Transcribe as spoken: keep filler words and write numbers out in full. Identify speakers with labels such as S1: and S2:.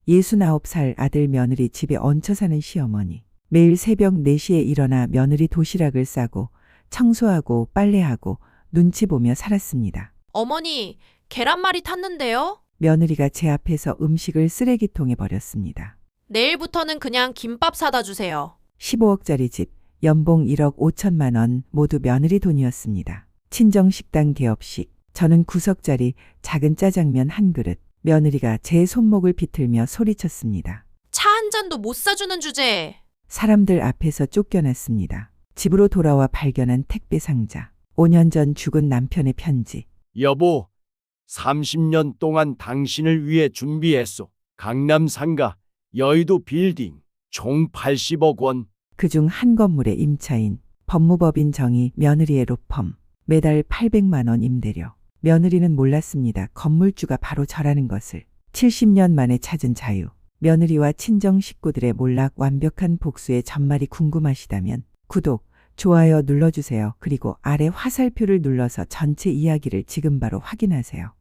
S1: 예순아홉 살 아들 며느리 집에 얹혀 사는 시어머니. 매일 새벽 네 시에 일어나 며느리 도시락을 싸고 청소하고 빨래하고 눈치 보며 살았습니다.
S2: 어머니, 계란말이 탔는데요?
S1: 며느리가 제 앞에서 음식을 쓰레기통에 버렸습니다.
S2: 내일부터는 그냥 김밥 사다 주세요.
S1: 십오억짜리 집, 연봉 일억 오천만 원 모두 며느리 돈이었습니다. 친정식당 개업식, 저는 구석짜리 작은 짜장면 한 그릇. 며느리가 제 손목을 비틀며 소리쳤습니다.
S2: 차 한 잔도 못 사주는 주제에.
S1: 사람들 앞에서 쫓겨났습니다. 집으로 돌아와 발견한 택배 상자. 오 년 전 죽은 남편의 편지.
S3: 여보, 삼십 년 동안 당신을 위해 준비했소. 강남 상가, 여의도 빌딩, 총 팔십억 원.
S1: 그중 한 건물의 임차인, 법무법인 정의 며느리의 로펌. 매달 팔백만 원 임대료. 며느리는 몰랐습니다. 건물주가 바로 저라는 것을. 칠십 년 만에 찾은 자유. 며느리와 친정 식구들의 몰락 완벽한 복수의 전말이 궁금하시다면 구독, 좋아요 눌러주세요. 그리고 아래 화살표를 눌러서 전체 이야기를 지금 바로 확인하세요.